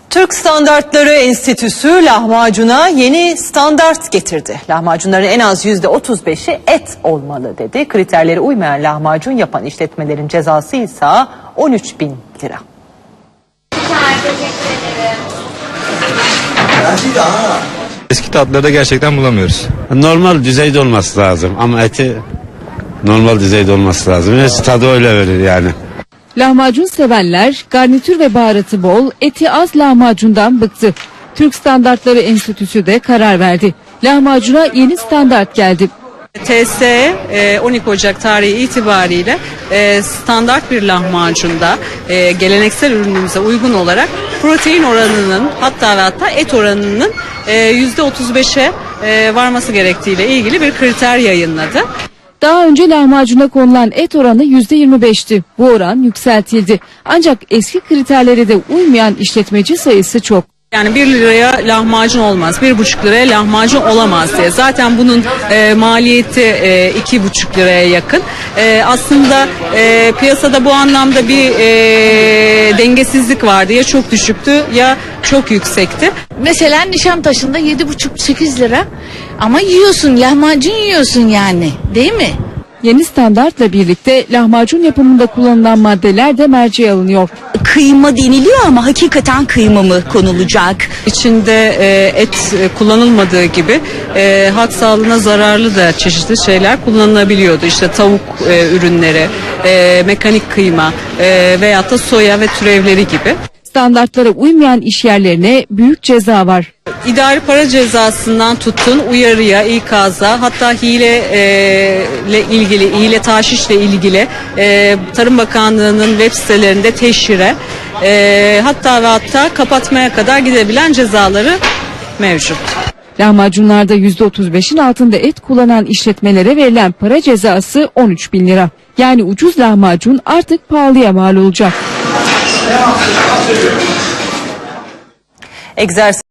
Türk Standartları Enstitüsü lahmacuna yeni standart getirdi. Lahmacunların en az %35'i et olmalı dedi. Kriterlere uymayan lahmacun yapan işletmelerin cezası ise 13.000 lira. Eski tatları da gerçekten bulamıyoruz. Normal düzeyde olması lazım ama eti normal düzeyde olması lazım. Neyse tadı öyle verir yani. Lahmacun sevenler garnitür ve baharatı bol, eti az lahmacundan bıktı. Türk Standartları Enstitüsü de karar verdi. Lahmacuna yeni standart geldi. TSE 12 Ocak tarihi itibariyle standart bir lahmacunda geleneksel ürünümüze uygun olarak protein oranının hatta et oranının %35'e varması gerektiğiyle ilgili bir kriter yayınladı. Daha önce lahmacuna konulan et oranı %25'ti. Bu oran yükseltildi. Ancak eski kriterlere de uymayan işletmeci sayısı çok. Yani 1 liraya lahmacun olmaz, 1,5 liraya lahmacun olamaz diye. Zaten bunun maliyeti 2,5 liraya yakın. Aslında piyasada bu anlamda bir dengesizlik vardı. Ya çok düşüktü ya çok yüksekti. Mesela Nişantaşı'nda 7,5-8 lira ama yiyorsun, lahmacun yiyorsun yani, değil mi? Yeni standartla birlikte lahmacun yapımında kullanılan maddeler de merceğe alınıyor. Kıyma deniliyor ama hakikaten kıyma mı konulacak? İçinde et kullanılmadığı gibi halk sağlığına zararlı da çeşitli şeyler kullanılabiliyordu. İşte tavuk ürünleri, mekanik kıyma veyahut da soya ve türevleri gibi. Standartlara uymayan işyerlerine büyük ceza var. İdari para cezasından tutun uyarıya, ikaza, hatta hile taşişle ilgili Tarım Bakanlığı'nın web sitelerinde teşhire hatta kapatmaya kadar gidebilen cezaları mevcut. Lahmacunlarda %35'in altında et kullanan işletmelere verilen para cezası 13.000 lira. Yani ucuz lahmacun artık pahalıya mal olacak. Egzersiz